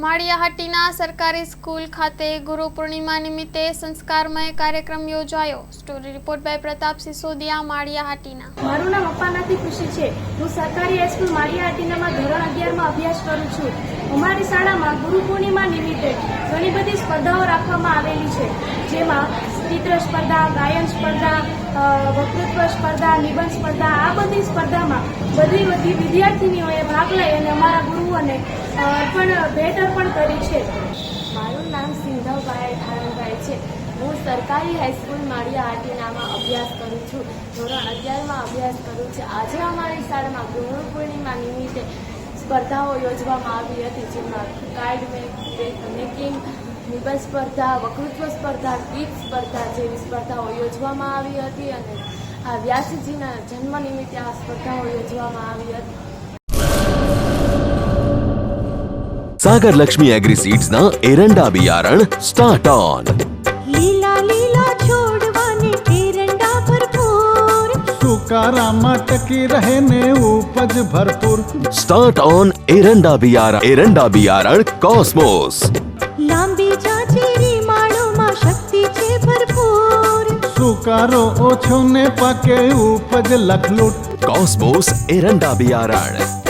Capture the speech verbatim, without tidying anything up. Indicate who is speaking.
Speaker 1: માળિયાહાટીના સરકારી સ્કૂલ ખાતે ગુરુ પૂર્ણિમા નિમિત્તે સંસ્કારમય કાર્યક્રમ યોજાયો। Story report by Pratap Sisodia, Maliya Hatina.
Speaker 2: મારું નામ અપ્પાનાથી ખુશી છે। હું સરકારી હાઈસ્કૂલ માળિયાહાટીનામાં ધોરણ અગિયારમાં અભ્યાસ કરું છું। અમારી શાળામાં ગુરુ પૂર્ણિમા નિમિત્તે ઘણી બધી સ્પર્ધાઓ રાખવામાં આવેલી છે, જેમાં ચિત્ર સ્પર્ધા, ગાયન સ્પર્ધા, વક્તૃત્વ સ્પર્ધા, નિબંધ સ્પર્ધા। આ બધી સ્પર્ધામાં બધી બધી વિદ્યાર્થીનીઓએ ભાગ લઈ અને અમારા ગુરુઓને પણ ભેટ અર્પણ કરી છે।
Speaker 3: મારું નામ સિંધવભાઈ ઠાણભાઈ છે। હું સરકારી હાઈસ્કૂલ માળિયાહાટીનામાં અભ્યાસ કરું છું। ધોરણ અગિયારમાં અભ્યાસ કરું છું। આજે અમારી શાળામાં ગુરુ પૂર્ણિમા નિમિત્તે સ્પર્ધાઓ યોજવામાં આવી હતી, જેમાં કાર્ડ મેકિંગ, નિબંધ સ્પર્ધા, વક્તૃત્વ સ્પર્ધા, ગીત સ્પર્ધા જેવી સ્પર્ધાઓ યોજવામાં આવી હતી અને આ વ્યાસજીના જન્મ નિમિત્તે આ સ્પર્ધાઓ યોજવામાં આવી હતી।
Speaker 4: सागर लक्ष्मी एग्रीसीड्स ना एरंडा बियारण स्टार्ट ऑन।
Speaker 5: લીલા લીલા છોડવાને એરંડા ભરપૂર,
Speaker 6: સુકારામાં ટકી રહે ને ઉપજ ભરપૂર।
Speaker 4: स्टार्ट ऑन एरंडा बियारण एरंડા बियारण कॉस्मोस।
Speaker 5: લાંબી જાચેરી માળોમાં શક્તિ છે ભરપૂર,
Speaker 6: સુકારો ઓછો ને પાકે ઉપજ લખલૂટ।
Speaker 4: कॉस्मोस एरंડા बियारण।